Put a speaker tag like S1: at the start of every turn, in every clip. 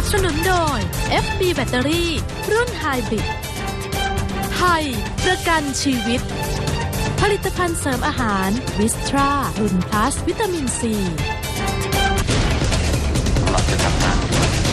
S1: สนุนโดย FB แบตเตอรี่รุ่นไฮบริดไทยประกันชีวิตผลิตภัณฑ์เสริมอาหารวิสตรารุ่นพลัสวิตามินซี
S2: เราจะทำงาน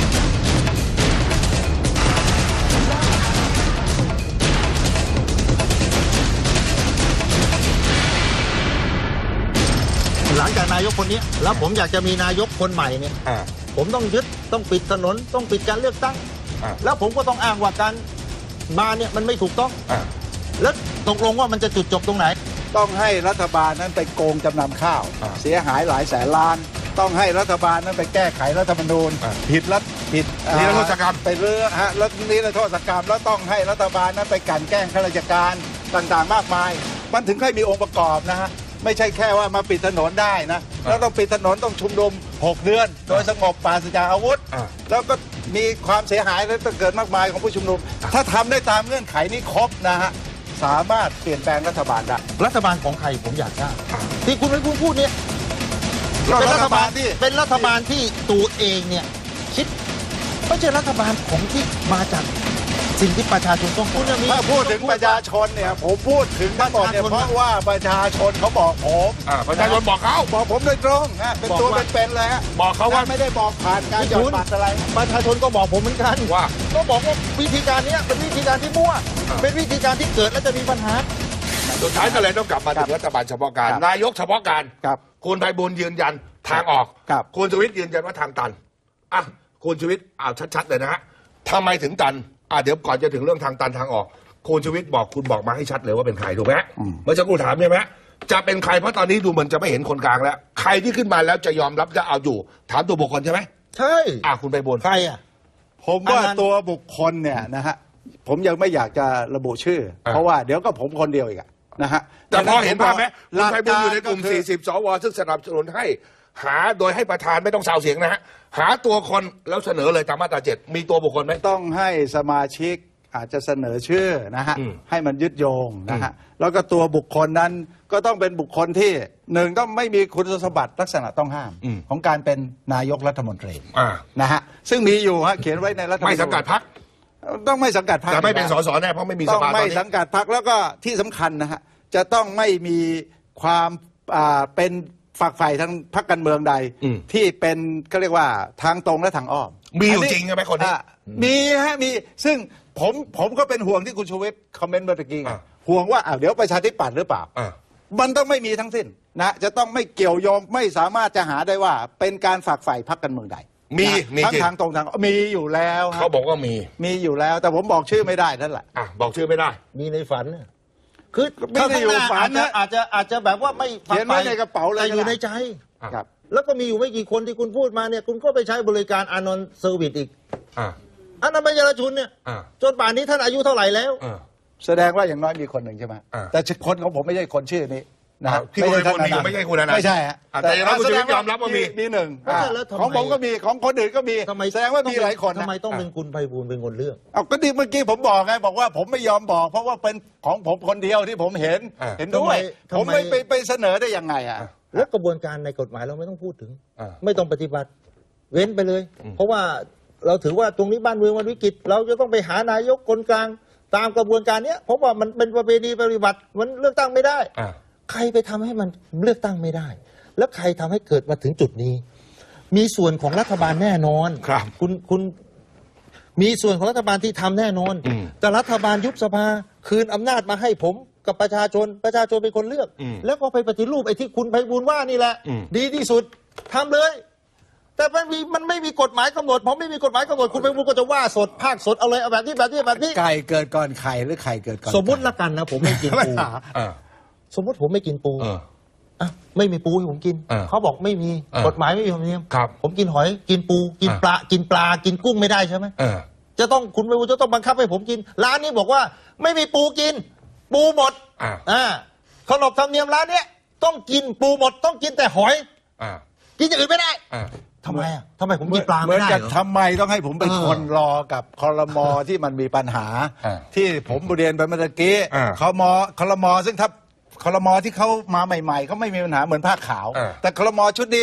S3: หลังจากนายกคนนี้แล้วผมอยากจะมีนายกคนใหม่เนี่ยผมต้องยึดต้องปิดถนนต้องปิดการเลือกตั้งแล้วผมก็ต้องอ้างว่าการมาเนี่ยมันไม่ถูกต้องแล้วตกลงว่ามันจะจุดจบตรงไหน
S4: ต้องให้รัฐบาลนั้นไปโกงจำนำข้าวเสียหายหลายแสนล้านต้องให้รัฐบาลนั้นไปแก้ไขรัฐธรรมนูญผิดนิรโทษกรรมไปเรื่องแล้วนิรโทษกรรมแล้วต้องให้รัฐบาลนั้นไปกลั่นแกล้งข้าราชการต่างๆมากมายมันถึงค่อยมีองค์ประกอบนะฮะไม่ใช่แค่ว่ามาปิดถนนได้นะแล้วต้องปิดถนนต้องชุมนุม6 เดือนโดยสงบปราศจากอาวุธแล้วก็มีความเสียหายและเกิดมากมายของผู้ชุมนุมถ้าทำได้ตามเงื่อนไขนี้ครบนะฮะสามารถเปลี่ยนแปลงรัฐบาลได้
S3: รัฐบาลของใครผมอยากทราบที่คุณไม่พูดเนี่ยเป็นรัฐบาลที่ตัวเองเนี่ยคิดไม่ใช่รัฐบาลของที่มาจากสิ่งที่ประชาชนต้องการ
S4: ถ้าพูดถึงประชาชนเนี่ยผมพูดถึงทั้งหมดเนี่ยเพราะว่าประชาชนเขาบอกผม
S2: ประชาชนบอกเขา
S4: บอกผมโดยตรงเป็นตัวเป็นๆเลยฮะ
S2: บอกเขาว่า
S4: ไม่ได้บอกผ่านการหยอดบัตรอะไร
S3: ประชาชนก็บอกผมเหมือนกัน
S2: ว่า
S3: ก็บอกว่าวิธีการนี้เป็นวิธีการที่มั่วเป็นวิธีการที่เกิดแล้วจะมีปัญหา
S2: สุดท้ายก็เลยต้องกลับมาถึงรัฐบาลเฉพาะการนายกเฉพาะการคุณไพบูลย์ยืนยันทางออกคุณชูวิทย์ยืนยันว่าทางตันคุณชูวิทย์ชัดๆเลยนะฮะทำไมถึงตันเดี๋ยวก่อนจะถึงเรื่องทางตันทางออกคุณชูวิทย์คุณบอกมาให้ชัดเลยว่าเป็นใครถูกไหมเมื่อสักครู่ถามใช่ไหมจะเป็นใครเพราะตอนนี้ดูเหมือนจะไม่เห็นคนกลางแล้วใครที่ขึ้นมาแล้วจะยอมรับจะเอาอยู่ถามตัวบุคคลใช่ไหม
S3: ใช่
S2: คุณไพบูลย์
S3: ใคร
S4: ผมว่าตัวบุคคลเนี่ยนะฮะผมยังไม่อยากจะระบุชื่อเพราะว่าเดี๋ยวก็ผมคนเดียวอีกนะฮะ
S2: แต่พอเห็นภาพไหมคุณไพบูลย์อยู่ในกลุ่ม40 สวซึ่งสนับสนุนให้หาโดยให้ประธานไม่ต้องซาวเสียงนะฮะหาตัวคนแล้วเสนอเลยตามมาตรา7มีตัวบุคคลไหม
S4: ต้องให้สมาชิกอาจจะเสนอชื่อนะฮะให้มันยึดโยงนะฮะแล้วก็ตัวบุคคลนั้นก็ต้องเป็นบุคคลที่หนึ่งต้องไม่มีคุณสมบัติลักษณะต้องห้ามของการเป็นนายกรัฐมนตรีนะฮะซึ่งมีอยู่ฮะเขียนไว้ในรัฐธรรมนูญ
S2: ไม่สังกัดพรรค
S4: ต้องไม่สังกัดพรรค
S2: แต่ไม่เป็นสสแน่เพราะไม่มีสภา
S4: ต้องไม่สังกัดพรรคแล้วก็ที่สำคัญนะฮะจะต้องไม่มีความเป็นฝักใฝ่ทางพรรคการเมืองใดที่เป็นก็เรียกว่าทางตรงและทางอ้อม
S2: มีอยู่จริงใช่ไหมคนนี้
S4: มีฮะมีซึ่งผมก็เป็นห่วงที่คุณชูวิทย์คอมเมนต์เมื่อกี้ห่วงว่าเดี๋ยวประชาธิปัตย์หรือเปล่ามันต้องไม่มีทั้งสิ้นนะจะต้องไม่เกี่ยวโยงไม่สามารถจะหาได้ว่าเป็นการฝักใฝ่พรรคการเมืองใด
S2: มี
S4: ทั้งทางตรงทางมีอยู่แล้ว
S2: เขาบอกว่ามี
S4: อยู่แล้วแต่ผมบอกชื่อไม่ได้นั่นแหละ
S2: บอกชื่อไม่ได้
S3: มีในฝันคือไม่ได้อยู่ฝันนะอาจจะแบบว่าไม่
S4: เขียนไว้ในกระเป๋าเลย
S3: อยู่ในใจ
S4: ครับ
S3: แล้วก็มีอยู่ไม่กี่คนที่คุณพูดมาเนี่ยคุณก็ไปใช้บริการอานนท์เซอร์วิสอีกอันนั้นเป็นยาชุนเนี่ยจนป่านนี้ท่านอายุเท่าไหร่แล้ว
S4: แสดงว่าอย่างน้อยมีคนหนึ่งใช่ไหมแต่คนของผมไม่ใช่คนชื่อนี้นะ
S2: ที่ไม่ใช่คนนี้ไม่ใช่คุณนะ
S4: ไม่ใช่ฮะ
S2: แต่อย่างนั้นคุณจะยอมรับว่ามี
S4: หนึ่งของผมก็มีของคนอื่นก็มีแสดงว่ามีหลายคน
S3: ทำไมต้องเป็นคุณไพบูลย์เป็นคนเลือก
S4: ก็ดีเมื่อกี้ผมบอกไงบอกว่าผมไม่ยอมบอกเพราะว่าเป็นของผมคนเดียวที่ผมเห็นด้วยผมไม่ไปเสนอได้ยังไง
S3: แล้วกระบวนการในกฎหมายเราไม่ต้องพูดถึงไม่ต้องปฏิบัติเว้นไปเลยเพราะว่าเราถือว่าตรงนี้บ้านเมืองมันวิกฤตเราจะต้องไปหานายกคนกลางตามกระบวนการนี้เพราะว่ามันเป็นประเพณีปฏิบัติมันเลือกตั้งไม่ได้ใครไปทำให้มันเลือกตั้งไม่ได้แล้วใครทำให้เกิดมาถึงจุดนี้มีส่วนของรัฐบาลแน่นอน
S2: ครับ
S3: คุณมีส่วนของรัฐบาลที่ทำแน่นอนแต่รัฐบาลยุบสภาคืนอำนาจมาให้ผมกับประชาชนเป็นคนเลือกแล้วก็ไปปฏิรูปไอ้ที่คุณไพบูลย์ว่านี่แหละดีที่สุดทำเลยแต่มันไม่มีกฎหมายกำหนดผมไม่มีกฎหมายกำหนดคุณไพบูลย์ก็จะว่าสดภาคสดเอาเลยเอาแบบนี้
S4: ไก่เกิดก่อนไข่หรือไข่เกิดก่อน
S3: สมมุติละกันนะผมไม่กินปูสมมติผมไม่กินปูไม่มีปูให้ผมกินเขาบอกไม่มีกฎหมายไม่มีธรรมเนียมผมกินหอยกินปูกินปลากินกุ้งไม่ได้ใช่ไหมจะต้องคุณไพบูลย์จะต้องบังคับให้ผมกินร้านนี้บอกว่าไม่มีปูกินปูหมดขนบธรรมเนียมร้านนี้ต้องกินปูหมดต้องกินแต่หอยกินอย่างอื่นไม่ได้ทำไมผมกินปลาไม่ได้
S4: ทำไมต้องให้ผมเป็นคนรอกับครม.ที่มันมีปัญหาที่ผมเรียนไปเมื่อกี้ครม.ซึ่งถ้าครม.ที่เขามาใหม่ๆเขาไม่มีปัญหาเหมือนผ้าขาวแต่ครม.ชุดนี้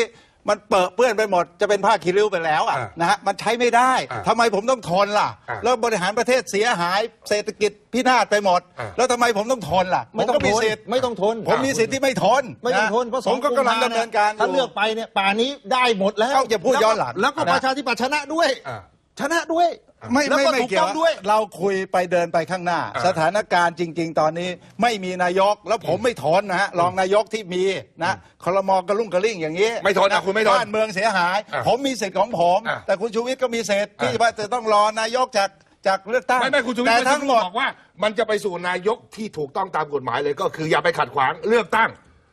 S4: มันเปื้อนไปหมดจะเป็นผ้าคีริ้วไปแล้วนะฮะมันใช้ไม่ได้ทำไมผมต้องทนล่ะแล้วบริหารประเทศเสียหายเศรษฐกิจพินาศไปหมดแล้วทำไมผมต้องทนล่ะ
S3: ไม่ต้อง
S4: มี
S3: ทน
S4: สิทธิ์
S3: ไม่ต้องทน
S4: ผมมีสิทธิ์ที่ไม่ทน
S3: ไม่ต้องทนเพราะ
S4: ผมก็กำลังดำเนินการ
S3: ถ้าเลือกไปเนี่ยป่านี้ได้หมดแล้ว
S4: อย่าพูดย้อนหลัง
S3: แล้วก็ประชาธิปัตย์ชนะด้วยชนะด้วย
S4: ไม่
S3: แล้วก็ถูก
S4: เกี่ย
S3: ต้
S4: ว
S3: องด้วย
S4: เราคุยไปเดินไปข้างหน้า สถานการณ์จริง ๆ ตอนนี้ไม่มีนายกแล้วผมไม่ทนนะฮะรองนายกที่มีนะครม.กระลุ่งกระลิ่งอย่างนี้
S2: ไม่ทนนะคุณไม่ทน
S4: บ้านเมืองเสียหาย ผมมีสิทธิ์ของผม แต่คุณชูวิทย์ก็มีสิทธิ์ที่ว่าจะต้องรอนายกจากเลือกตั้ง
S2: ไม่คุณชูวิทย์
S4: แต่
S2: ไม่
S4: ทั้
S2: ทั้
S4: ง
S2: ง
S4: ห
S2: ห
S4: ม
S2: ม
S4: ด
S2: ดบอกว่ามันจะไปสู่นายกที่ถูกต้องตามกฎหมายเลยก็คืออย่าไปขัดขวางเลือกตั้ง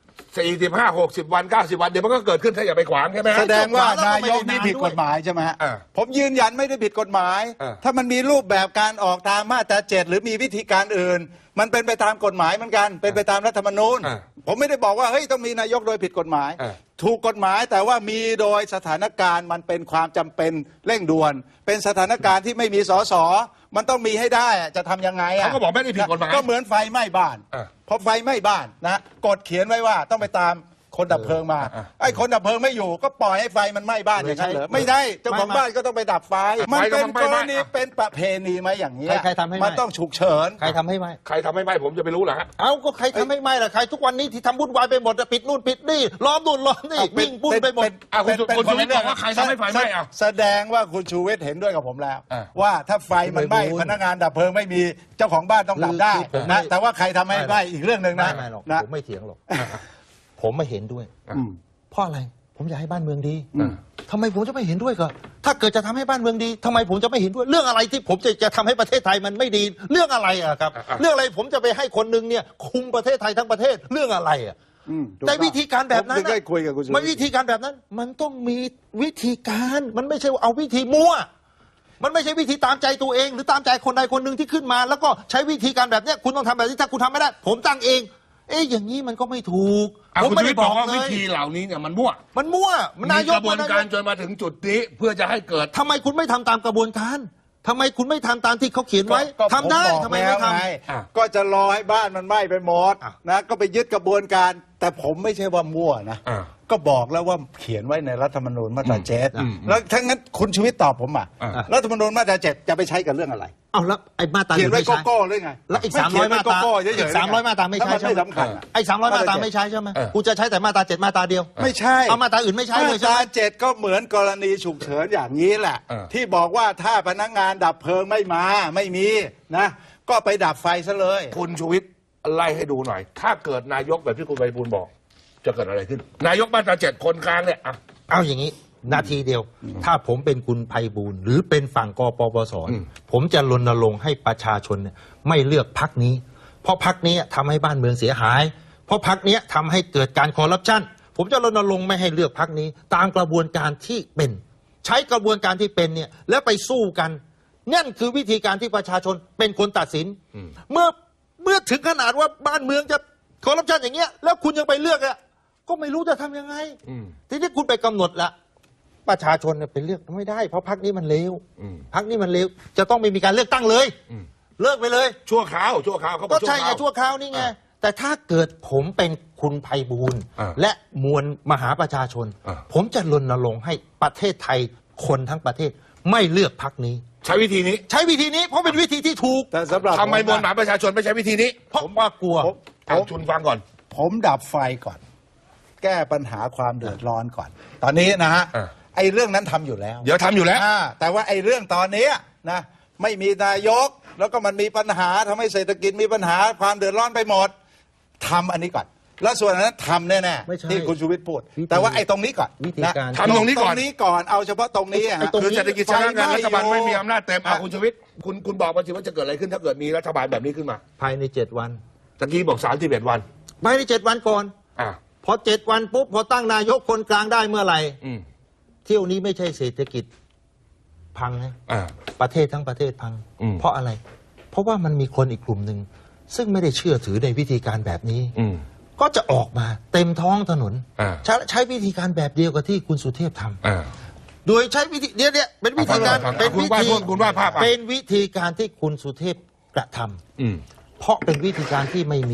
S2: 45 60 วัน90 วันเดี๋ยวมันก็เกิดขึ้นถ้าอย่าไปขวางใช่ไหมฮะ
S4: แสดงว่านายกนี่ผิดกฎหมายใช่ไหมฮะผมยืนยันไม่ได้ผิดกฎหมาย ถ้ามันมีรูปแบบการออกตามมาตรา7หรือมีวิธีการอื่น มันเป็นไปตามกฎหมายเหมือนกันเป็นไปตามรัฐธรรมนูญผมไม่ได้บอกว่าเฮ้ยต้องมีนายกโดยผิดกฎหมาย ถูกกฎหมายแต่ว่ามีโดยสถานการณ์มันเป็นความจำเป็นเร่งด่วน เป็นสถานการณ์ที่ไม่มีสสมันต้องมีให้ได้จะทำยังไง
S2: เขาก็บอกไม่ได้ผิดกฎหมาย
S4: ก็เหมือนไฟไหม้บ้านพอไฟไหม้บ้านนะกฎเขียนไว้ว่าต้องไปตามคนดับเพลิงมาไอ้คนดับเพลิงไม่อยู่ก็ปล่อยให้ไฟมันไหม้บ้านอย่างนั้นเหรอไม่ได้เจ้าของบ้านก็ต้องไปดับไฟมันเป็นกรณีเป็นประเพณีไหมอย่างนี้
S3: ใครทำให้ไหม้
S4: มันต้องฉุกเฉิน
S3: ใครทำให้ไหม
S2: ใครทำให้ไหมผมจะไปรู้เหรอฮะ
S3: เอาก็ใครทำให้ไหมล่ะใครทุกวันนี้ที่ทำวุ่นวายไปหมดปิดนู่นปิดนี่ล้อมนู่นล้อมนี่วิ่งวุ่นไปหมด
S2: คุณชูวิทย์บอกว่าใครทำให้ไฟไหม้อ่ะ
S4: แสดงว่าคุณชูวิทย์เห็นด้วยกับผมแล้ว ว่าถ้าไฟมันไหม้พนักงานดับเพลิงไม่มีเจ้าของบ้านต้องดับได้นะแต่ว่าใครทำให้ไหม้อีกเรื่องหนึ่งนะ
S3: ไม่หรอก
S4: นะ
S3: ผมไม่เถียงหรอกผมไม่เห็นด้วยเพราะอะไรผมอยากให้บ้านเมืองดีทำไมผมจะไม่เห็นด้วยก็ถ้าเกิดจะทำให้บ้านเมืองดีทำไมผมจะไม่เห็นด้วยเรื่องอะไรที่ผมจะทำให้ประเทศไทยมันไม่ดีเรื่องอะไรอะครับเรื่องอะไรผมจะไปให้คนหนึ่งเนี่ยคุมประเทศไทยทั้งประเทศเรื่องอะไรอะแต่วิธีการแบบนั้น
S4: ผมถึงได้คุยกับคุณชูวิทย์
S3: มันวิธีการแบบนั้นมันต้องมีวิธีการมันไม่ใช่เอาวิธีมั่วมันไม่ใช่วิธีตามใจตัวเองหรือตามใจคนใดคนหนึ่งที่ขึ้นมาแล้วก็ใช้วิธีการแบบเนี้ยคุณต้องทำแบบนี้ถ้าคุณทำไม่ได้ผมตั้งเองอย่างนี้มันก็ไม่ถูกผม
S2: คุณ
S3: ไม่
S2: ชูวิ
S3: ได้
S2: ทย์บอกว่า
S3: เล
S2: วิ
S3: ย
S2: ธีเหล่านี้เนี่ยมันมั่ว
S3: มันมั่วมันนาย
S2: ก
S3: ก
S2: ระบวนการจนมาถึงจุดนี้เพื่อจะให้เกิด
S3: ทำไมคุณไม่ทำตามกระบวนการทำไมคุณไม่ทำตามที่เขาเขียนไว้
S4: ก็
S3: ทำได้
S4: ผมบอก
S3: ทำไมไม่ท
S4: แล้วงก็จะรอให้บ้านมันไหม้ไปหมดนะก็ไปยึดกระบวนการ แต่ผมไม่ใช่ว่ามั่วนะก็บอกแล้วว่าเขียนไว้ในรัฐธรรมนูญมาตรา7แล้วถ้างั้นคุณชูวิทย์ตอบผมรัฐธรรมนูญมาตรา7จะไปใช้กับเรื่องอะไร
S3: ำเอาแล้วไอ้มาตรา
S4: เขียนไว้
S3: ไม่ใช้
S4: โก้ๆหรือไง
S3: แล้วอีก
S4: ไม่เขียน
S3: 300 มาตรา
S4: โก้ๆเฉยๆ
S3: อีก300 มาตราไม่ใช้
S4: ถ้น
S3: ใช่ไหม
S4: สำคัญอะ
S3: ไอ้300 มาตราไม่ใช้ใช่ไหมกูจะใช้แต่มาตรา7 มาตราเดียว
S4: ไม่ใช่
S3: เอามาตราอื่นไม่ใช้เลย
S4: มา
S3: ใช่
S4: ต
S3: ไห
S4: ราม 7ก็เหมือนกรณีฉุกเฉินอย่างนี้แหละ ที่บอกว่าถ้าพนักงานดับเพลิงไม่มาไม่มีนะก็ไปดับไฟซะเลย
S2: คุณชูวิทย์ไล่ให้ดูหน่อย ถ้าเกิดนายกแบบที่คุณไพบูลย์บอกจะเกิดอะไรขึ้น นายกมาตรา7คนกลางเนี่ย
S3: เอาอย่างนี้นาทีเดียวถ้าผมเป็นคุณไพบูลย์หรือเป็นฝั่งกปปสผมจะรณรงค์ให้ประชาชนเนี่ยไม่เลือกพรรคนี้เพราะพรรคนี้ทำให้บ้านเมืองเสียหายเพราะพรรคนี้ทำให้เกิดการคอร์รัปชันผมจะรณรงค์ไม่ให้เลือกพรรคนี้ตามกระบวนการที่เป็นใช้กระบวนการที่เป็นเนี่ยแล้วไปสู้กันนั่นคือวิธีการที่ประชาชนเป็นคนตัดสินเมื่อถึงขนาดว่าบ้านเมืองจะคอร์รัปชันอย่างเงี้ยแล้วคุณยังไปเลือกอ่ะก็ไม่รู้จะทำยังไงทีนี้คุณไปกำหนดละประชาชนเนี่ยไปเลือกไม่ได้เพราะพรรคนี้มันเลวพรรคนี้มันเลวจะต้องไม่มีการเลือกตั้งเลยเลิกไปเลย
S2: ชั่วคราวเขาบอก
S3: ก็ใช่ไงชั่วคราวนี่ไงแต่ถ้าเกิดผมเป็นคุณไพบูลย์และมวลมหาประชาชนผมจะรณรงค์ให้ประเทศไทยคนทั้งประเทศไม่เลือกพรรคนี้
S2: ใช้วิธีนี้
S3: เพราะเป็นวิธีที่ถูก
S4: แต่สำหรับ
S2: ทำไมมวลมหาประชาชนไม่ใช้วิธีนี้
S3: เพราะว่ากลัว
S2: ชุนฟังก่อน
S4: ผมดับไฟก่อนแก้ปัญหาความเดือดร้อนก่อนตอนนี้นะฮะไอ้เรื่องนั้นทำอยู่แล้ว
S2: เดี๋ยวทำอยู่แล้ว
S4: แต่ว่าไอ้เรื่องตอนนี้นะไม่มีนายกแล้วก็มันมีปัญหาทำให้เศรษฐกิจมีปัญหาความเดือดร้อนไปหมดทำอันนี้ก่อนแล้วส่วนนั้นทำแน่ๆที่คุณชูวิทย์พูดแต่ว่าไอ้ตรงนี้ก่อน
S3: วิธีการ
S2: ทำตรงนี้ก่อน
S4: เอาเฉพาะตรงนี้
S2: คือเศรษฐกิจชะงักงันรัฐบาลไม่มีอำนาจเต็มคุณชูวิทย์คุณบอกมาสิว่าจะเกิดอะไรขึ้นถ้าเกิดมีรัฐบาลแบบนี้ขึ้นมา
S3: ภายใน7 วัน
S2: ตะกี้บอก31 วัน
S3: ภายใน7 วันก่อนพอ7 วันปุ๊บพอตั้งนายกคนกลางได้เมื่อไหร่เที่ยวนี้ไม่ใช่เศรษฐกิจพังนะประเทศทั้งประเทศพังเพราะอะไรเพราะว่ามันมีคนอีกกลุ่มหนึ่งซึ่งไม่ได้เชื่อถือในวิธีการแบบนี้ก็จะออกมาเต็มท้องถนนใช้วิธีการแบบเดียวกับที่คุณสุเทพทำโดยใช้วิธีเนี่ยเป็นวิธีการเป็นวิธีการที่คุณสุเทพกระทำเพราะเป็นวิธีการที่ไม่มี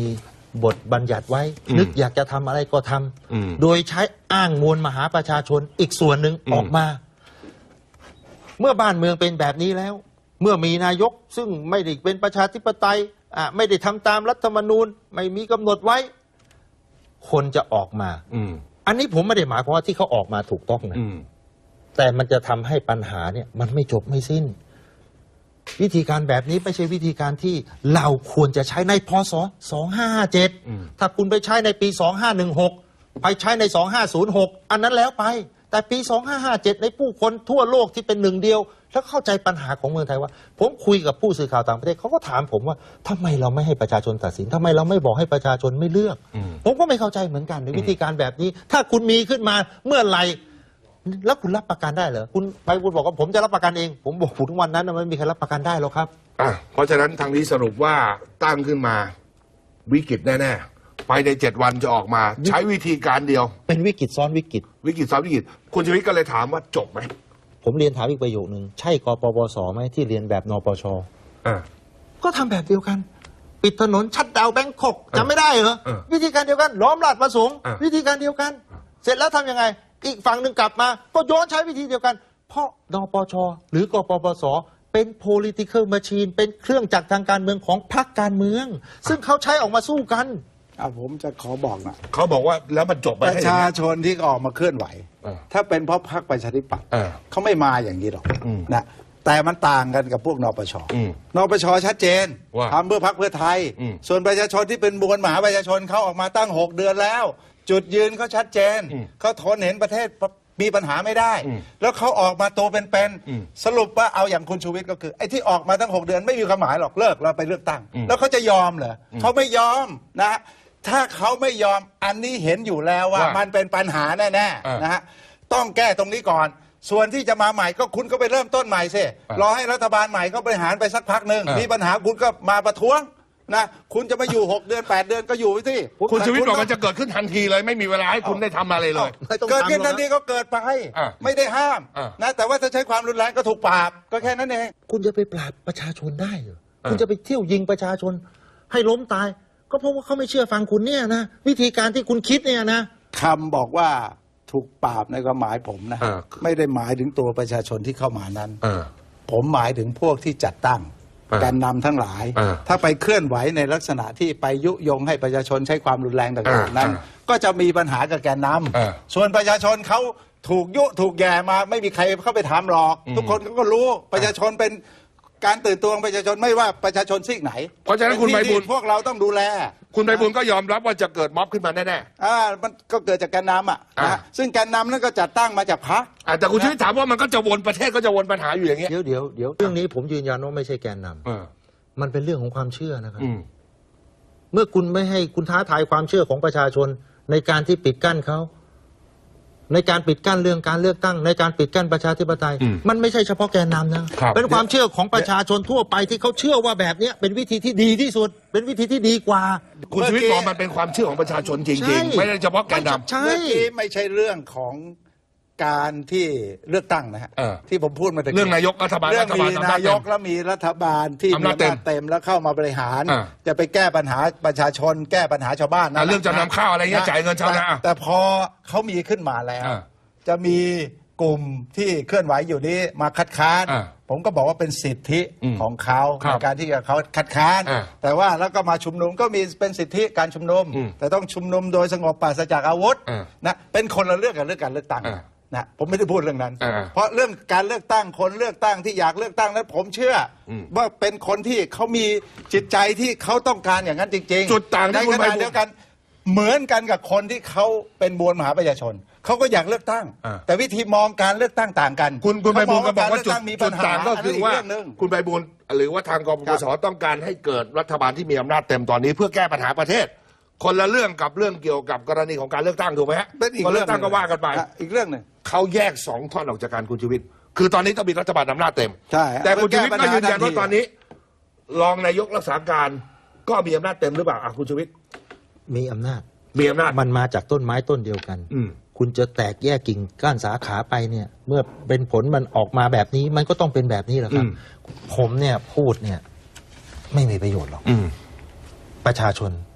S3: บทบัญญัติไว้นึกอยากจะทำอะไรก็ทำโดยใช้อ้างมวลมหาประชาชนอีกส่วนหนึ่งออกมาเมื่อบ้านเมืองเป็นแบบนี้แล้วเมื่อมีนายกซึ่งไม่ได้เป็นประชาธิปไตยไม่ได้ทำตามรัฐธรรมนูญไม่มีกำหนดไว้คนจะออกมาอันนี้ผมไม่ได้หมายความว่าที่เขาออกมาถูกต้องนะแต่มันจะทำให้ปัญหาเนี่ยมันไม่จบไม่สิ้นวิธีการแบบนี้ไม่ใช่วิธีการที่เราควรจะใช้ในพศ2557ถ้าคุณไปใช้ในปี2516ไปใช้ใน2506อันนั้นแล้วไปแต่ปี2557ในผู้คนทั่วโลกที่เป็นหนึ่งเดียวแล้วเข้าใจปัญหาของเมืองไทยว่าผมคุยกับผู้สื่อข่าวต่างประเทศเขาก็ถามผมว่าทำไมเราไม่ให้ประชาชนตัดสินทำไมเราไม่บอกให้ประชาชนไม่เลือกผมก็ไม่เข้าใจเหมือนกันในวิธีการแบบนี้ถ้าคุณมีขึ้นมาเมื่อไหร่แล้วคุณรับประกันได้เหรอคุณไปคุณบอกว่าผมจะรับประกันเองผมบอกทุกวันนั้นมันไม่มีใครรับประกันได้หรอกครับ
S2: เพราะฉะนั้นทางนี้สรุปว่าตั้งขึ้นมาวิกฤตแน่ๆภายใน7 วันจะออกมาใช้วิธีการเดียว
S3: เป็นวิกฤตซ้อนวิกฤต
S2: ซ้อนวิกฤตคุณชีวิตก็เลยถามว่าจบไหม
S3: ผมเรียนถามอีกประโยคนึงใช่กปปสไหมที่เรียนแบบนปชก็ทำแบบเดียวกันปิดถนนชัตดาวน์แบงคอกจำไม่ได้เหรอวิธีการเดียวกันล้อมราชประสงค์วิธีการเดียวกันเสร็จแล้วทำยังไงอีกฝั่งหนึ่งกลับมาก็ย้อนใช้วิธีเดียวกันเพราะนปชหรือกปปสเป็น political machine เป็นเครื่องจักรทางการเมืองของพรรคการเมืองซึ่งเขาใช้ออกมาสู้กัน
S4: ผมจะขอบอกนะ
S2: เขาบอกว่าแล้วมันจบไป
S4: ประชาชนที่ออกมาเคลื่อนไหวถ้าเป็นเพราะพรรคประชาธิปัตย์เขาไม่มาอย่างนี้หรอกนะแต่มันต่างกันกับพวกนปชนปชชัดเจนทำเพื่อพรรคเพื่อไทยส่วนประชาชนที่เป็นมวลมหาประชาชนเขาออกมาตั้ง6 เดือนแล้วจุดยืนเขาชัดเจนเขาทนเห็นประเทศมีปัญหาไม่ได้แล้วเขาออกมาตัวเป็นๆสรุปว่าเอาอย่างคุณชูวิทย์ก็คือไอ้ที่ออกมาตั้ง6 เดือนไม่มีความหมายหรอกเลิกเราไปเลือกตั้งแล้วเขาจะยอมเหรอเขาไม่ยอมนะถ้าเขาไม่ยอมอันนี้เห็นอยู่แล้วว่ามันเป็นปัญหาแน่ๆนะฮะต้องแก้ตรงนี้ก่อนส่วนที่จะมาใหม่ก็คุณก็ไปเริ่มต้นใหม่สิรอให้รัฐบาลใหม่เขาบริหารไปสักพักหนึ่งมีปัญหาคุณก็มาประท้วงนะคุณจะมาอยู่6 เดือน8 เดือนก็อยู่ไปสิ
S2: คุณชีวิตบอกมันจะเกิดขึ้นทันทีเลยไม่มีเวลาให้คุณได้ทำอะไรเลย
S4: เกิดขึ้นทันทีก็เกิดไปไม่ได้ห้ามนะแต่ว่าถ้าใช้ความรุนแรงก็ถูกปราบก็แค่นั้นเอง
S3: คุณจะไปปราบประชาชนได้เหรอคุณจะไปเที่ยวยิงประชาชนให้ล้มตายก็เพราะว่าเขาไม่เชื่อฟังคุณเนี่ยนะวิธีการที่คุณคิดเนี่ยนะ
S4: คำบอกว่าถูกปราบในความหมายผมนะไม่ได้หมายถึงตัวประชาชนที่เข้ามานั้นผมหมายถึงพวกที่จัดตั้งแกนนำทั้งหลายถ้าไปเคลื่อนไหวในลักษณะที่ไปยุยงให้ประชาชนใช้ความรุนแรงต่างๆนั้นก็จะมีปัญหากับแกนนำส่วนประชาชนเขาถูกยุถูกแย่มาไม่มีใครเข้าไปถามหรอกทุกคนก็รู้ประชาชนเป็นการตื่นตัวของประชาชนไม่ว่าประชาชนซีกไหน
S2: เพราะฉะนั้นคุณไพบูลย์
S4: พวกเราต้องดูแล
S2: คุณไพบูลย์ก็ยอมรับว่าจะเกิดม็อบขึ้นมาแน่
S4: ๆมันก็เกิดจากแกนนำนะซึ่งแกนนำนั้นก็จัดตั้งมาจากพรรค
S2: แต่คุณชีวิตถามว่ามันก็จะวนประเทศก็จะวนปัญหาอยู่อย่างเงี้ย
S3: เดี๋ยวเรื่องนี้ผมยืนยันว่าไม่ใช่แกนนำมันเป็นเรื่องของความเชื่อนะครับเมื่อคุณไม่ให้คุณท้าทายความเชื่อของประชาชนในการที่ปิดกั้นเขาในการปิดกั้นเรื่องการเลือกตั้งในการปิดกั้นประชาธิปไตยมันไม่ใช่เฉพาะแกนนำนะเป็นความเชื่อของประชาชนทั่วไปที่เขาเชื่อว่าแบบนี้เป็นวิธีที่ดีที่สุดเป็นวิธีที่ดีกว่า
S2: คุณชีวิตบอกมันเป็นความเชื่อของประชาชนจริงๆไม่ได้เฉพาะแกนนำ
S4: ใช่ไม่ใช่เรื่องของการที่เลือกตั้งนะฮะที่ผมพูดมา
S2: เรื่องนายกรัฐบาล
S4: เรื่องมีนายกแล้วมีรัฐบาลที่มีอำนาจเต็มแล้วเข้ามาบริหารจะไปแก้ปัญหาประชาชนแก้ปัญหาชาวบ้านนะ
S2: เรื่องจำนำข้าวอะไรเงี้ยจ่ายเงินชาวนา
S4: แต่พอเขามีขึ้นมาแล้วจะมีกลุ่มที่เคลื่อนไหวอยู่นี้มาคัดค้านผมก็บอกว่าเป็นสิทธิของเขาในการที่เขาคัดค้านแต่ว่าแล้วก็มาชุมนุมก็มีเป็นสิทธิการชุมนุมแต่ต้องชุมนุมโดยสงบปราศจากอาวุธนะเป็นคนละเรื่องกับเรื่องการเลือกตั้งนะผมไม่ได้พูดเรื่องนั้นเพราะเรื่องการเลือกตั้งคนเลือกตั้งที่อยากเลือกตั้งนั้นผมเชื่อว่าเป็นคนที่เขามีจิตใจที่เขาต้องการอย่างนั้นจริงๆ
S2: จุดต่าง
S4: ในขณะเดียวกันเหมือนกันกับคนที่เขาเป็นมวลมหาประชาชนเขาก็อยากเลือกตั้งแต่วิธีมองการเลือกตั้งต่างกัน
S2: คุณไพบูลย์ก็บอกว่าจุดต่างก็คือว่าคุณไพบูลย์หรือว่าทางกปปสต้องการให้เกิดรัฐบาลที่มีอำนาจเต็มตอนนี้เพื่อแก้ปัญหาประเทศคนละเรื่องกับเรื่องเกี่ยวกับกรณีของการเลือกตั้งถูกไหมฮะคนเลือกตั้งก็ว่ากันไป
S4: อีกเรื่องหนึ่ง
S2: เขาแยก2 ท่อนออกจากการคุณชีวิตคือตอนนี้ต้องมีรัฐบาลอำนาจเต็ม
S4: ใช่
S2: แต่คุณชีวิตก็ยืนยันว่าตอนนี้รองนายกรักษาการก็มีอำนาจเต็มหรือเปล่าคุณชีวิต
S3: มีอำนาจมันมาจากต้นไม้ต้นเดียวกันคุณจะแตกแยกกิ่งก้านสาขาไปเนี่ยเมื่อเป็นผลมันออกมาแบบนี้มันก็ต้องเป็นแบบนี้แหละครับผมเนี่ยพูดเนี่ยไม่มีประโยชน์หรอกประชาชน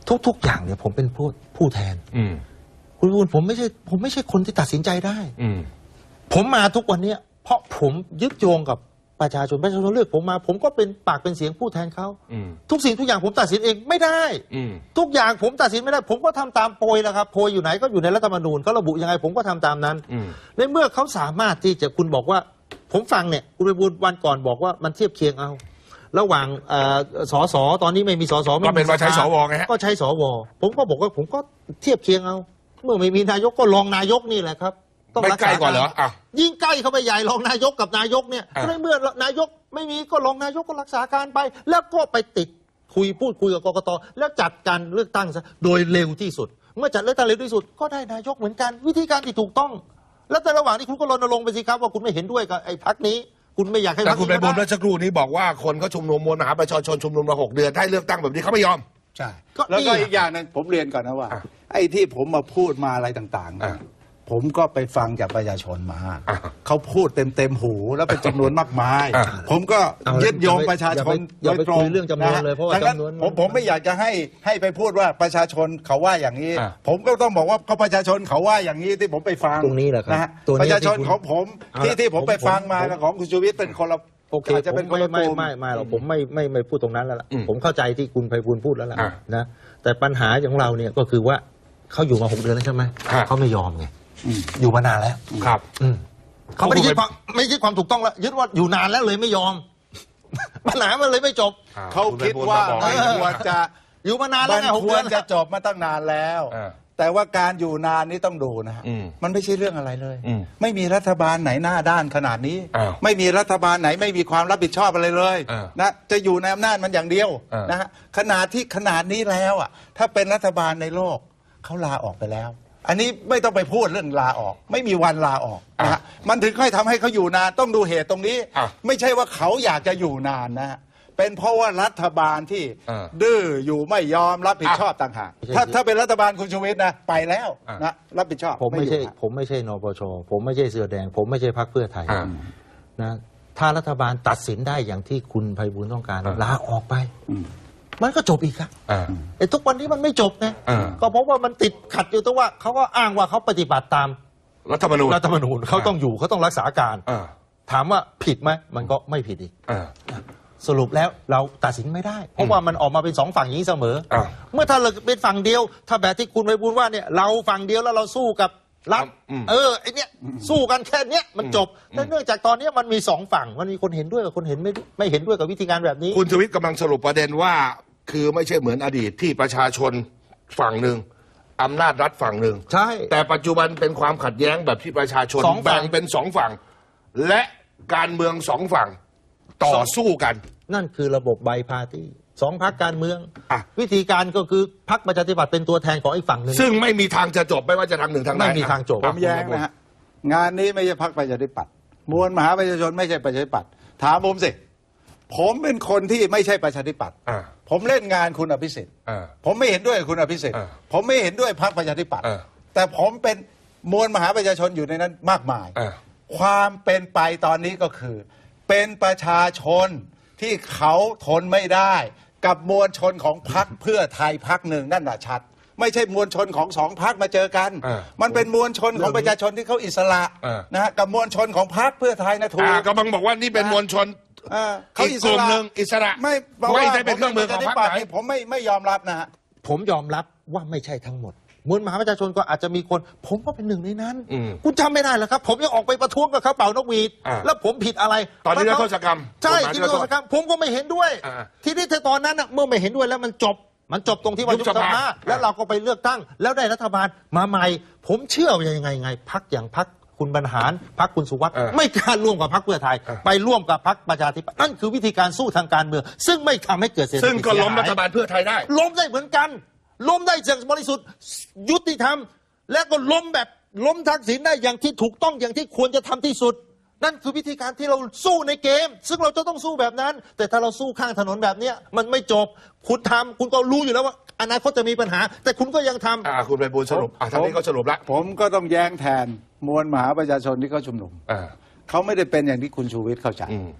S3: ทุกอย่างเนี่ยผมเป็นผู้แทนคุณวิบูลย์ผมไม่ใช่คนที่ตัดสินใจได้ผมมาทุกวันเนี้ยเพราะผมยึดโยงกับประชาชนเลือกผมมาผมก็เป็นปากเป็นเสียงผู้แทนเขาทุกสิ่งทุกอย่างผมตัดสินเองไม่ได้ทุกอย่างผมตัดสินไม่ได้ผมก็ทำตามโพยแหละครับโพยอยู่ไหนก็อยู่ในรัฐธรรมนูญเขาระบุยังไงผมก็ทำตามนั้นในเมื่อเขาสามารถที่จะคุณบอกว่าผมฟังเนี่ยคุณวิบูลย์วันก่อนบอกว่ามันเทียบเคียงเอาระหว่างสสตอนนี้ไม่มีสส
S2: ก็เป็นว่าใช้สวไงฮะ
S3: ก็ใช้สวผมก็บอกว่าผมก็เทียบเคียงเอาเมื่อไม่มีนายกก็รองนายกนี่แหละครับ
S2: ต้องรักษาก่อนเหรอ
S3: ยิ่งใกล้เข้าไปใหญ่รองนายกกับนายกเนี่ยเมื่อนายกไม่มีก็รองนายกก็รักษาการไปแล้วก็ไปติดพูดคุยกับกกตแล้วจัดการเลือกตั้งซะโดยเร็วที่สุดเมื่อจัดเลือกตั้งเร็วที่สุดก็ได้นายกเหมือนกันวิธีการที่ถูกต้องแล้วแต่ระหว่างนี้คุณก็รณรงค์ไปสิครับว่าคุณไม่เห็นด้วยกับไอ้พรรคนี้คุณไม่อยากให้
S2: แต่คุณไปบนเมื่อสักครู่นี้บอกว่าคนเขาชุมนุมมวลมหาประชาชนชุมนุมมา6 เดือนให้เลือกตั้งแบบนี้เขาไม่ยอม
S4: ใช่แล้วก็อีกอย่างนึงผมเรียนก่อนนะว่าไอ้ที่ผมมาพูดมาอะไรต่างๆผมก็ไปฟังจากประชาชนมาเขาพูดเต็มหูแล้วเป็นจำนวนมากมายผมก็ยึดโยงประชาชนโดยตรง
S3: เรื่องจำนวนเลยเพราะว่าจำนวน
S4: ผมไม่อยากจะให้ไปพูดว่าประชาชนเขาว่าอย่างนี้ผมก็ต้องบอกว่าเขาประชาชนเขาว่าอย่างนี้ที่ผมไปฟัง
S3: ตรงนี้แหละครับ
S4: ประชาชนของผมที่ผมไปฟังมาของคุณชูวิทย์เป็นคนละ
S3: โอเคจะเป็นคนละไม่หรอกผมไม่พูดตรงนั้นแล้วล่ะผมเข้าใจที่คุณไพบูลย์พูดแล้วล่ะนะแต่ปัญหาของเราเนี่ยก็คือว่าเขาอยู่มา6 เดือนแล้วใช่ไหมเขาไม่ยอมไงอยู่มานานแล้ว
S2: ครับ
S3: เขาไม่ได้ยึดความถูกต้องแล้วยึดว่าอยู่นานแล้วเลยไม่ยอมปัญหามันเลยไม่จบ
S4: เขาคิดว่าควรจะ
S3: อยู่มานานแล้วไง
S4: ควรจะจบมาตั้งนานแล้วแต่ว่าการอยู่นานนี้ต้องดูนะฮะมันไม่ใช่เรื่องอะไรเลยไม่มีรัฐบาลไหนหน้าด้านขนาดนี้ไม่มีรัฐบาลไหนไม่มีความรับผิดชอบอะไรเลยนะจะอยู่ในอำนาจมันอย่างเดียวนะฮะขนาดนี้แล้วอ่ะถ้าเป็นรัฐบาลในโลกเขาลาออกไปแล้วอันนี้ไม่ต้องไปพูดเรื่องลาออกไม่มีวันลาออกนะฮะมันถึงค่อยทำให้เขาอยู่นานต้องดูเหตุตรงนี้ไม่ใช่ว่าเขาอยากจะอยู่นานนะฮะเป็นเพราะว่ารัฐบาลที่ดื้ออยู่ไม่ยอมรับผิดชอบต่างหากถ้าเป็นรัฐบาลคุณชูวิทย์นะไปแล้วนะรับผิดชอบ
S3: ผมไม่ใช่นปชผมไม่ใช่เสื้อแดงผมไม่ใช่พรรคเพื่อไทยนะถ้ารัฐบาลตัดสินได้อย่างที่คุณไพบูลย์ต้องการลาออกไปมันก็จบอีกครับไอ้ทุกวันนี้มันไม่จบไงก็เพราะว่ามันติดขัดอยู่ตรงว่าเขาก็อ้างว่าเขาปฏิบัติตาม
S2: รัฐธรรมนูญ
S3: เขาต้องอยู่เขาต้องรักษาการถามว่าผิดไหมมันก็ไม่ผิดอีกสรุปแล้วเราตัดสินไม่ได้เพราะว่ามันออกมาเป็น2 ฝั่งอย่างนี้เสมอเมื่อถ้าเราเป็นฝั่งเดียวถ้าแบบที่คุณไพบูลย์ว่าเนี่ยเราฝั่งเดียวแล้วเราสู้กับรัฐไอ้เนี้ยสู้กันแค่เนี้ยมันจบแต่เนื่องจากตอนนี้มันมี2 ฝั่งมันมีคนเห็นด้วยกับคนเห็นไม่เห็นด้วยกับวิธีการแบบนี้
S2: คุณชูวิทย์กำลังสรุปประเด็นว่าคือไม่ใช่เหมือนอดีตที่ประชาชนฝั่งหนึ่งอำนาจรัฐฝั่งหนึ่ง
S3: ใช่
S2: แต่ปัจจุบันเป็นความขัดแย้งแบบที่ประชาชนแบ่งเป็น2 ฝั่งและการเมือง2 ฝั่งต่อสู้กัน
S3: นั่นคือระบบไบพาร์ตี้2 พรรคการเมืองวิธีการก็คือพรรคประชาธิปัตย์เป็นตัวแทนของอีกฝั่งหนึ่ง
S2: ซึ่งไม่มีทางจะจบไม่ว่าจะทางหนึ่งทางใด
S3: ไม่มีทางจบ
S4: ผมแย้งนะฮะงานนี้ไม่ใช่พรรคประชาธิปัตย์มวลมหาประชาชนไม่ใช่ประชาธิปัตย์ถามผมสิผมเป็นคนที่ไม่ใช่ประชาธิปัตย์ผมเล่นงานคุณอภิสิทธิ์ผมไม่เห็นด้วยคุณอภิสิทธิ์ผมไม่เห็นด้วยพรรคประชาธิปัตย์แต่ผมเป็นมวลมหาประชาชนอยู่ในนั้นมากมายความเป็นไปตอนนี้ก็คือเป็นประชาชนที่เขาทนไม่ได้กับมวลชนของพรรคเพื่อไทยพรรคหนึ่งนั่นแหละชัดไม่ใช่มวลชนของ2 พรรคมาเจอกันมันเป็นมวลชนของประชาชนที่เขาอิสระนะฮะกับมวลชนของพรรคเพื่อไทยนะถูก
S2: กำลังบอกว่านี่เป็นมวลชนเขาอีกกลุ่มหนึ่งอิสระ
S4: ไม่
S2: ได้เป็นเครื่องมือของพรรคไหน
S4: ผมไม่ยอมรับนะฮะ
S3: ผมยอมรับว่าไม่ใช่ทั้งหมดมวลมหาประชาชนก็อาจจะมีคนผมก็เป็นหนึ่งในนั้นคุณจำไม่ได้เหรอครับผมยังออกไปประท้วงกับเขาเป่านกหวีดแล้วผมผิดอะไร
S2: ตอนนี้นิรโทษกรรม
S3: ใช่นิรโทษกรรมผมก็ไม่เห็นด้วยทีนี้ตอนนั้นเมื่อไม่เห็นด้วยแล้วมันจบตรงที่ว่ายุบสภาแล้วเราก็ไปเลือกตั้งแล้วได้รัฐบาลมาใหม่ผมเชื่อว่ายังไงพรรคอย่างพรรคคุณบรรหารพรรคคุณสุวัสดิ์ไม่กล้าร่วมกับพรรคเพื่อไทยไปร่วมกับพรรคประชาธิปัตย์นั่นคือวิธีการสู้ทางการเมืองซึ่งไม่ทำให้เกิดเศรษฐกิจ
S2: ซึ่งก็ล้มรัฐบาลเพื่อไทยได้
S3: ล้มได้เหมือนกันล้มได้อย่างบริสุทธิ์ยุติธรรมและก็ล้มทักษิณได้อย่างที่ถูกต้องอย่างที่ควรจะทำที่สุดนั่นคือวิธีการที่เราสู้ในเกมซึ่งเราจะต้องสู้แบบนั้นแต่ถ้าเราสู้ข้างถนนแบบนี้มันไม่จบคุณทำคุณก็รู้อยู่แล้วว่าอนาคตจะมีปัญหาแต่คุณก็ยังทำ
S2: คุณไพบูลย์สรุปทางนี้เขาสรุปแล้ว
S4: ผมก็ต้องแย้งแทนมวลมหาประชาชนที่เขาชุมนุมเขาไม่ได้เป็นอย่างที่คุณชูวิทย์เข้าใจ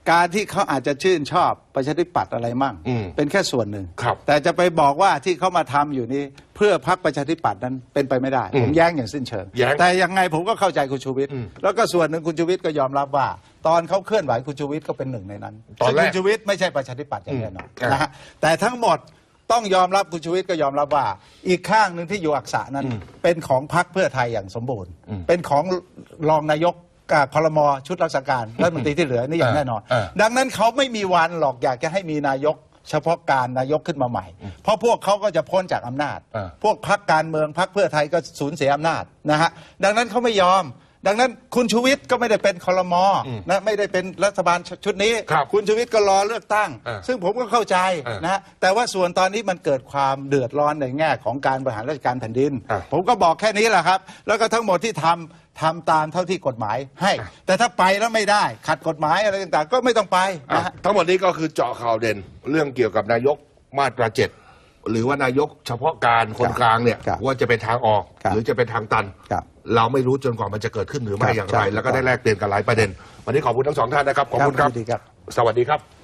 S4: การที่เขาอาจจะชื่นชอบประชาธิปัตย์อะไรมั่งเป็นแค่ส่วนหนึ่ง
S2: ครับ
S4: แต่จะไปบอกว่าที่เขามาทำอยู่นี้เพื่อพรรคประชาธิปัตย์นั้นเป็นไปไม่ได้ผมแย้งอย่างสิ้นเชิง
S2: แย้ง
S4: แต่ยังไงผมก็เข้าใจคุณชูวิทย์แล้วก็ส่วนหนึ่งคุณชูวิทย์ก็ยอมรับว่า ตอนเขาเคลื่อนไหวคุณชูวิทย์ก็เป็นหนึ่งในนั้น
S2: ตอนแรก
S4: ซึ่งคุณชูวิทย์ไม่ใช่ประชาธิปัตย์อย่างแน่นอน
S2: อืม
S4: นะฮะแต่ทั้งหมดต้องยอมรับคุณชูวิทย์ก็ยอมรับว่าอีกข้างหนึ่งที่อยู่อักษะนั้นเป็นของพรรคเพื่อไทยอย่างสมบูรณ์ เป็นของรองนายกครม.ชุดรักษาการรัฐมนตรีที่เหลือนี่อย่างแน่นอน ดังนั้นเขาไม่มีวันหรอกอยากจะให้มีนายกเฉพาะการนายกขึ้นมาใหม่ เพราะพวกเขาก็จะพ้นจากอำนาจ พวกพรรคการเมืองพรรคเพื่อไทยก็สูญเสียอำนาจนะฮะดังนั้นเขาไม่ยอม ดังนั้นคุณชูวิทย์ก็ไม่ได้เป็นครม.นะไม่ได้เป็นรัฐบาลชุดนี้
S2: ครับ
S4: คุณชูวิทย์ก็รอเลือกตั้ง ซึ่งผมก็เข้าใจนะฮะแต่ว่าส่วนตอนนี้มันเกิดความเดือดร้อนในแง่ของการบริหารราชการแผ่นดิน ผมก็บอกแค่นี้แหละครับ แล้วก็ทั้งหมดที่ทำตามเท่าที่กฎหมายให้ แต่ถ้าไปแล้วไม่ได้ขัดกฎหมายอะไรต่างๆ ก็ไม่ต้องไปนะฮะ
S2: ทั้งหมดนี้ก็คือเจาะข่าวเด่นเรื่องเกี่ยวกับนายกมาตรา7หรือว่านายกเฉพาะการคนกลางเนี่ย
S4: ครับ
S2: ว่าจะเป็นทางออก
S4: ครับ
S2: หรือจะเป็นทางตัน
S4: ครับ
S2: เราไม่รู้จนกว่ามันจะเกิดขึ้นหรือไม่
S4: ครับ
S2: อย่างไร
S4: ครับ
S2: แล้วก็ได้แลกเปลี่ยนกันหลายประเด็น วันนี้ขอบคุณทั้งสองท่านนะครับขอบคุณครับ
S4: ยินดีครับ
S2: สวัสดีครับ